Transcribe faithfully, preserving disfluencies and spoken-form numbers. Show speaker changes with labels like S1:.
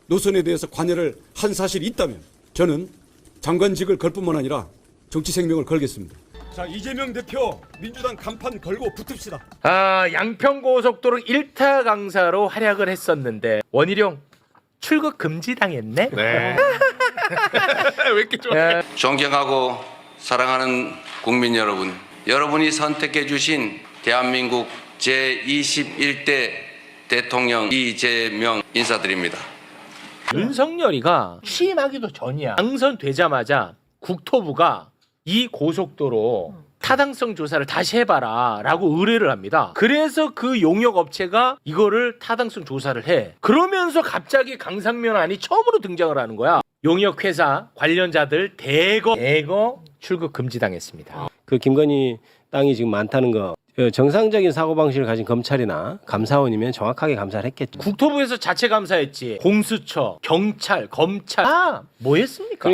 S1: 노선에 대해서 관여를 한 사실이 있다면 저는 장관직을 걸 뿐만 아니라 정치 생명을 걸겠습니다. 자, 이재명 대표 민주당 간판 걸고 붙읍시다.
S2: 아, 양평고속도로 일 타 강사로 활약을 했었는데 원희룡 출국 금지 당했네.
S3: 네. 왜 이렇게 좋아?
S2: 예.
S4: 존경하고 사랑하는 국민 여러분, 여러분이 선택해 주신 대한민국 제이십일 대 대통령 이재명 인사드립니다.
S2: 윤석열이가 취임하기도 전이야. 당선되자마자 국토부가 이 고속도로 타당성 조사를 다시 해봐라 라고 의뢰를 합니다. 그래서 그 용역 업체가 이거를 타당성 조사를 해. 그러면서 갑자기 강상면안이 처음으로 등장을 하는 거야. 용역 회사 관련자들 대거 대거 출국 금지당했습니다.
S5: 그 김건희 땅이 지금 많다는 거 정상적인 사고방식을 가진 검찰이나 감사원이면 정확하게 감사를 했겠죠.
S2: 국토부에서 자체 감사했지. 공수처, 경찰, 검찰 다 뭐 했습니까?